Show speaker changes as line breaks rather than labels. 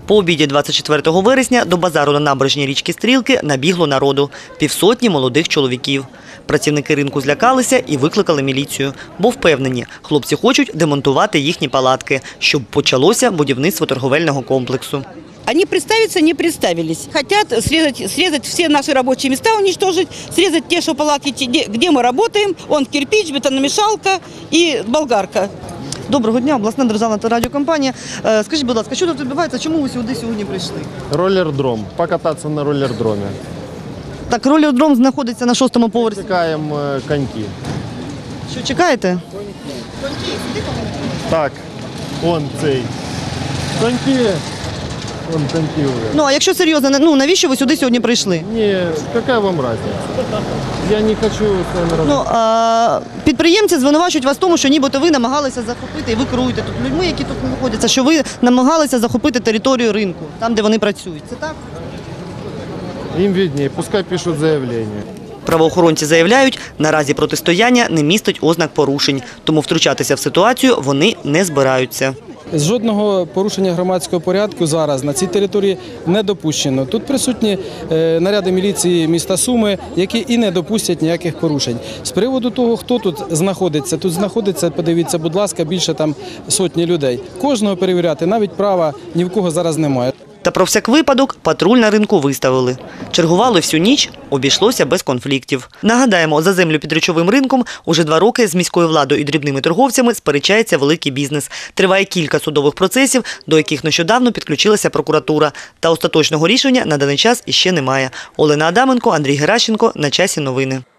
По обіді 24 вересня до базару на набережній річки Стрілки набігло народу – півсотні молодих чоловіків. Працівники ринку злякалися і викликали міліцію, бо впевнені, хлопці хочуть демонтувати їхні палатки, щоб почалося будівництво торговельного комплексу.
Они представиться не представились. Хотят срезать все наши рабочие места, уничтожить, срезать те палатки, где мы работаем. Он кирпич, бетономешалка и болгарка.
Доброго дня, обласна державна радіокомпанія. Скажіть, будь ласка, що тут відбувається? Чому ви сюди сьогодні прийшли?
Роллердром. Покататься на роллердроме.
Так, роллердром знаходиться на 6-му поверсі.
Чекаємо коньки.
Що, чекаєте?
Так, он цей. Коньки. Вон коньки уже.
Ну, а якщо серйозно, навіщо ви сюди сьогодні прийшли?
Не, какая вам разница? Я не хочу с вами разговаривать.
Підприємці звинувачують вас в тому, що нібито ви намагалися захопити, і ви керуєте тут людьми, які тут знаходяться, що ви намагалися захопити територію ринку, там, де вони працюють. Це так?
Им виднее, пускай пишут заявление.
Правоохоронці заявляють, наразі протистояння не містить ознак порушень, тому втручатися в ситуацію вони не збираються.
Жодного порушення громадського порядку зараз на цій території не допущено. Тут присутні наряди міліції міста Суми, які і не допустять ніяких порушень. З приводу того, хто тут знаходиться, подивіться, будь ласка, більше там сотні людей. Кожного перевіряти навіть права ні в кого зараз немає.
Та про всяк випадок патруль на ринку виставили. Чергували всю ніч, обійшлося без конфліктів. Нагадаємо, за землю під речовим ринком уже 2 роки з міською владою і дрібними торговцями сперечається великий бізнес. Триває кілька судових процесів, до яких нещодавно підключилася прокуратура. Та остаточного рішення на даний час іще немає. Олена Адаменко, Андрій Геращенко. На часі новини.